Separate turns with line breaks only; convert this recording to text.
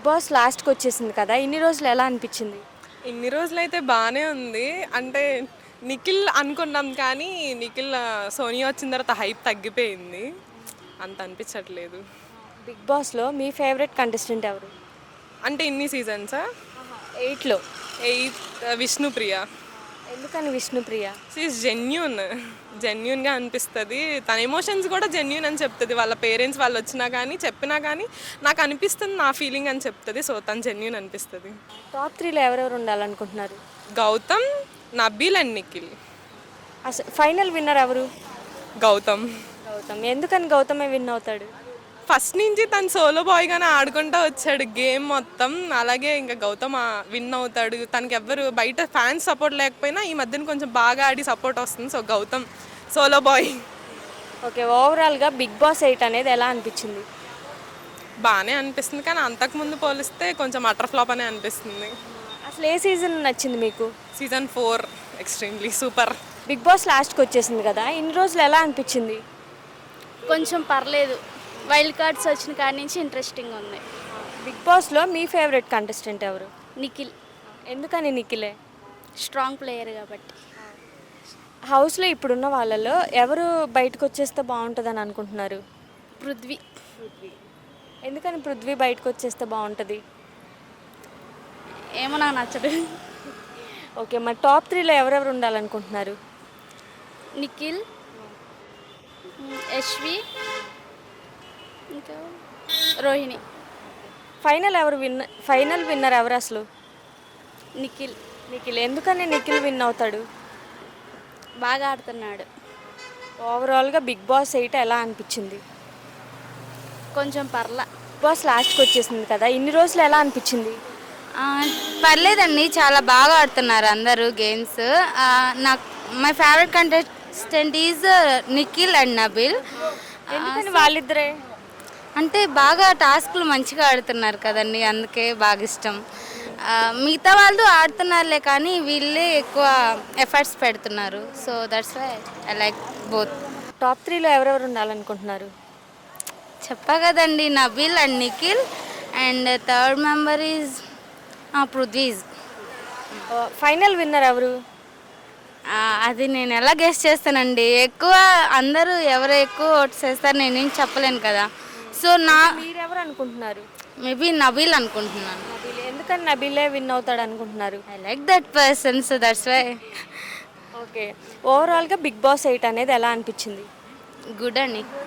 Boss లాస్ట్కి వచ్చేసింది కదా, ఇన్ని రోజులు ఎలా అనిపించింది?
ఇన్ని రోజులైతే బాగానే ఉంది. అంటే నిఖిల్ అనుకున్నాం కానీ నిఖిల్ సోనియా వచ్చిన తర్వాత హైప్ తగ్గిపోయింది. అంత అనిపించట్లేదు.
బిగ్ బాస్లో మీ ఫేవరెట్ కంటెస్టెంట్ ఎవరు?
అంటే ఇన్ని సీజన్సా?
8లో.
8 విష్ణుప్రియ.
ఎందుకని విష్ణుప్రియ?
షీఈస్ జెన్యున్గా అనిపిస్తుంది. తన ఎమోషన్స్ కూడా జెన్యున్ అని చెప్తుంది. వాళ్ళ పేరెంట్స్ వాళ్ళు వచ్చినా కానీ చెప్పినా కానీ నాకు అనిపిస్తుంది, నా ఫీలింగ్ అని చెప్తుంది. సో తను జెన్యున్ అనిపిస్తుంది.
టాప్ 3లో ఎవరెవరు ఉండాలనుకుంటున్నారు?
గౌతమ్, నబీల్ అండ్ నిఖిల్.
అసలు ఫైనల్ విన్నర్ ఎవరు?
గౌతమ్.
గౌతమ్. ఎందుకని గౌతమే విన్ అవుతాడు?
ఫస్ట్ నుంచి తను సోలో బాయ్గానే ఆడుకుంటూ వచ్చాడు గేమ్ మొత్తం. అలాగే ఇంకా గౌతమ్ విన్ అవుతాడు. తనకి ఎవ్వరు బయట ఫ్యాన్స్ సపోర్ట్ లేకపోయినా ఈ మధ్యన కొంచెం బాగా ఆడి సపోర్ట్ వస్తుంది. So Gautam solo boy.
Okay, ఓవరాల్గా బిగ్ బాస్ 8 అనేది ఎలా అనిపించింది?
బాగానే అనిపిస్తుంది కానీ అంతకుముందు పోలిస్తే కొంచెం అటర్ ఫ్లాప్ అనే అనిపిస్తుంది.
అసలు ఏ సీజన్ నచ్చింది మీకు?
Season 4 extremely super.
Bigg Boss లాస్ట్కి వచ్చేసింది కదా, ఇన్ని రోజులు ఎలా అనిపించింది?
కొంచెం పర్లేదు. వైల్డ్ కార్డ్స్ వచ్చిన కాడి నుంచి ఇంట్రెస్టింగ్ ఉంది.
బిగ్ బాస్లో మీ ఫేవరెట్ కంటెస్టెంట్ ఎవరు?
నిఖిల్
ఎందుకని నిఖిలే?
స్ట్రాంగ్ ప్లేయర్ కాబట్టి.
హౌస్లో ఇప్పుడున్న వాళ్ళలో ఎవరు బయటకు వచ్చేస్తే బాగుంటుందని అనుకుంటున్నారు?
పృథ్వీ.
ఎందుకని పృథ్వీ బయటకు వచ్చేస్తే బాగుంటుంది?
ఏమో నాకు నచ్చడు.
ఓకే, మరి టాప్ 3లో ఎవరెవరు ఉండాలనుకుంటున్నారు?
నిఖిల్, యశ్వి, ఇంకా రోహిణి.
ఫైనల్ విన్నర్ ఎవరు అసలు?
నిఖిల్.
నిఖిల్. ఎందుకని నిఖిల్ విన్ అవుతాడు?
బాగా ఆడుతున్నాడు.
ఓవరాల్గా బిగ్ బాస్ 8 ఎలా అనిపించింది?
కొంచెం పర్లా.
బిగ్ బాస్ లాస్ట్కి వచ్చేసింది కదా, ఇన్ని రోజులు ఎలా అనిపించింది?
పర్లేదండి, చాలా బాగా ఆడుతున్నారు అందరూ గేమ్స్. నాకు my favourite contestant is Nikhil and Nabeel.
ఎందుకని వాళ్ళిద్దరే?
అంటే బాగా టాస్క్లు మంచిగా ఆడుతున్నారు కదండి, అందుకే బాగా ఇష్టం. మిగతా వాళ్ళు ఆడుతున్నారులే కానీ వీళ్ళే ఎక్కువ ఎఫర్ట్స్ పెడుతున్నారు. So that's why I like both.
Top 3లో ఎవరెవరు ఉండాలనుకుంటున్నారు?
చెప్పా కదండి, Nabeel and Nikhil. And third member is పృథ్వీజ్.
ఫైనల్ విన్నర్ ఎవరు?
అది నేను ఎలా గెస్ చేస్తానండి. ఎక్కువ అందరూ ఎవరు ఎక్కువ ఓట్స్ వేస్తారు నేనేం చెప్పలేను కదా. సో
మీరెవరు అనుకుంటున్నారు?
మేబీ నబీల్ అనుకుంటున్నాను.
నబీల్. ఎందుకని నబీలే విన్ అవుతాడు అనుకుంటున్నారు?
I like that person, so that's why.
Okay, ఓవరాల్గా బిగ్ బాస్ 8 అనేది ఎలా అనిపించింది?
గుడ్ అండి.